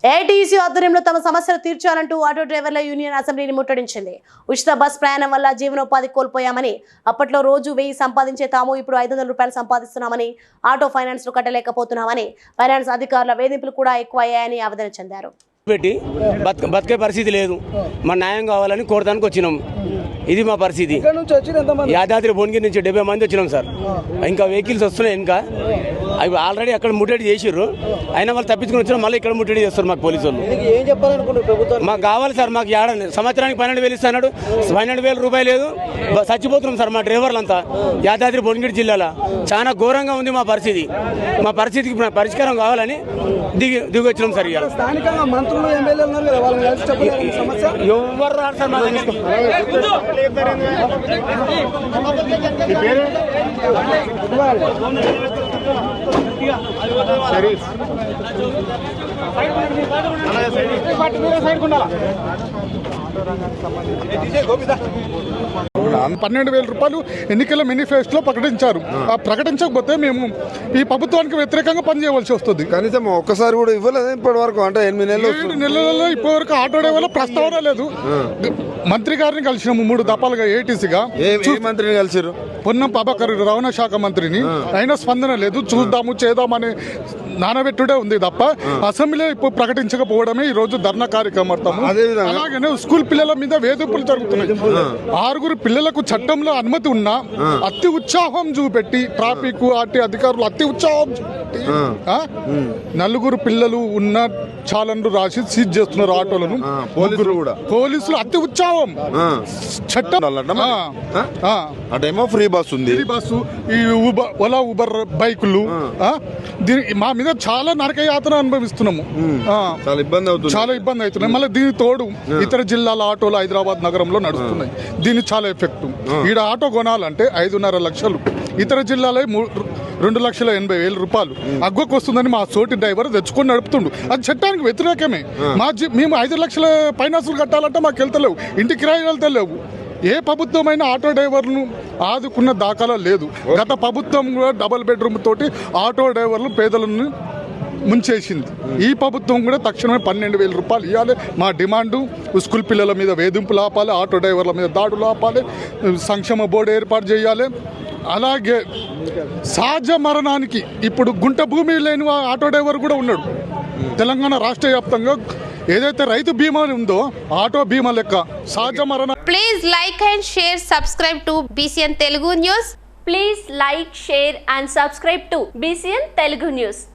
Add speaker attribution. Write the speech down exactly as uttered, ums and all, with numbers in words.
Speaker 1: AITUC ఆధ్వర్యంలో తమ సమస్యలు తీర్చాలంటూ ఆటో డ్రైవర్ల యూనియన్ అసెంబ్లీని ముట్టడించింది. ఉచిత బస్ ప్రయాణం వల్ల జీవనోపాధి కోల్పోయామని, అప్పట్లో రోజు వెయ్యి సంపాదించే తాము ఇప్పుడు ఐదు వందల రూపాయలు సంపాదిస్తున్నామని, ఆటో ఫైనాన్స్ లు కట్టలేకపోతున్నామని, ఫైనాన్స్ అధికారుల వేధింపులు కూడా ఎక్కువ అయ్యాయని ఆవేదన చెందారు.
Speaker 2: పెట్టి బతికే పరిస్థితి లేదు. మా న్యాయం కావాలని కోరడానికి వచ్చినాం. ఇది మా పరిస్థితి. యాదాద్రి భువనగిరి నుంచి డెబ్బై మంది వచ్చినాం సార్. ఇంకా వెహికల్స్ వస్తున్నాయి. ఇంకా అవి ఆల్రెడీ అక్కడ ముట్టడి చేసిర్రు. అయినా వాళ్ళు తప్పించుకుని వచ్చినా మళ్ళీ ఇక్కడ ముట్టడి చేస్తారు మాకు పోలీసు వాళ్ళు. మాకు కావాలి సార్. మాకు ఏడాది సంవత్సరానికి పన్నెండు వేలు ఇస్తున్నాడు. పన్నెండు వేల రూపాయలు లేదు. చచ్చిపోతున్నాం సార్ మా డ్రైవర్లంతా. యాదాద్రి భువనగిరి జిల్లాలో చాలా ఘోరంగా ఉంది మా పరిస్థితి. మా పరిస్థితికి పరిష్కారం కావాలని దిగి దిగి వచ్చినాం సార్. ఇవాళ ఎవరు రారు సార్ మా దగ్గర.
Speaker 3: పన్నెండు వేల రూపాయలు ఎన్నికల మేనిఫెస్టోలో ప్రకటించారు. ఆ ప్రకటించకపోతే మేము ఈ ప్రభుత్వానికి వ్యతిరేకంగా పనిచేయవలసి వస్తుంది.
Speaker 4: కనీసం ఒక్కసారి కూడా ఇవ్వలేదు ఇప్పటి వరకు. అంటే ఎనిమిది నెలలు
Speaker 3: ఏడు నెలలలో ఇప్పటి వరకు ఆటో డ్రైవర్ల ప్రస్తావన లేదు. మంత్రి గారిని కలిసినాము మూడు దఫాలుగా ఏటీసీగా.
Speaker 4: మంత్రిని కలిసిరు
Speaker 3: పొన్నం ప్రభాకర్ రవాణా శాఖ మంత్రిని. అయినా స్పందన లేదు. చూద్దాము చేద్దామని నానబెట్టుడే ఉంది తప్ప అసెంబ్లీ ఇప్పుడు ప్రకటించకపోవడమే ఈ రోజు ధర్నా కార్యక్రమం. అలాగనే స్కూల్ పిల్లల మీద వేధింపులు జరుగుతున్నాయి. ఆరుగురు పిల్లలకు చట్టంలో అనుమతి ఉన్నా అతి ఉత్సాహం చూపెట్టి ట్రాఫిక్ ఆర్టీ అధికారులు అతి ఉత్సాహం చూపెట్టి నలుగురు పిల్లలు ఉన్న చాలన్లు రాసి సీజ్ చేస్తున్నారు ఆటోలను. పోలీసులు అతి ఉత్సాహం చట్టం
Speaker 4: అటేమో ఫ్రీ బస్ ఉంది.
Speaker 3: ఫ్రీ బస్సు ఈ ఊబర్ ఓలా ఊబర్ బైకులు దీని మా మీద చాలా నరక యాతన అనుభవిస్తున్నాము.
Speaker 4: చాలా ఇబ్బంది అవుతుంది.
Speaker 3: చాలా ఇబ్బంది అవుతున్నాయి. మళ్ళీ దీని తోడు ఇతర జిల్లాల ఆటోలు హైదరాబాద్ నగరంలో నడుస్తున్నాయి. దీని చాలా ఎఫెక్ట్. ఈడ ఆటో కొనాలంటే ఐదున్నర లక్షలు, ఇతర జిల్లాలో రెండు లక్షల ఎనభై వేల రూపాయలు అగ్గొకు వస్తుందని మా సోటి డ్రైవర్ తెచ్చుకొని నడుపుతుండు. అది చట్టానికి వ్యతిరేకమే. మా మేము ఐదు లక్షల ఫైనాన్సులు కట్టాలంటే మాకు వెళ్తలేవు, ఇంటి కిరాయి వెళ్తలేవు. ఏ ప్రభుత్వమైన ఆటో డ్రైవర్లను ఆదుకున్న దాఖలా లేదు. గత ప్రభుత్వం కూడా డబుల్ బెడ్రూమ్ తోటి ఆటో డ్రైవర్లు పేదలను ముంచేసింది. ఈ ప్రభుత్వం కూడా తక్షణమే పన్నెండు వేల రూపాయలు ఇవ్వాలి. మా డిమాండు స్కూల్ పిల్లల మీద వేధింపులు ఆపాలి, ఆటో డ్రైవర్ల మీద దాడులు ఆపాలి, సంక్షేమ బోర్డు ఏర్పాటు చేయాలి. అలాగే సహజ మరణానికి ఇప్పుడు గుంట భూమి లేని ఆటో డ్రైవర్ కూడా ఉన్నాడు. తెలంగాణ రాష్ట్ర వ్యాప్తంగా ఏదైతే రైతు బీమా ఉందో ఆటో బీమా లెక్క సహజ మరణ.
Speaker 5: Please like and share subscribe to BCN Telugu news.
Speaker 6: Please like share and subscribe to BCN Telugu news.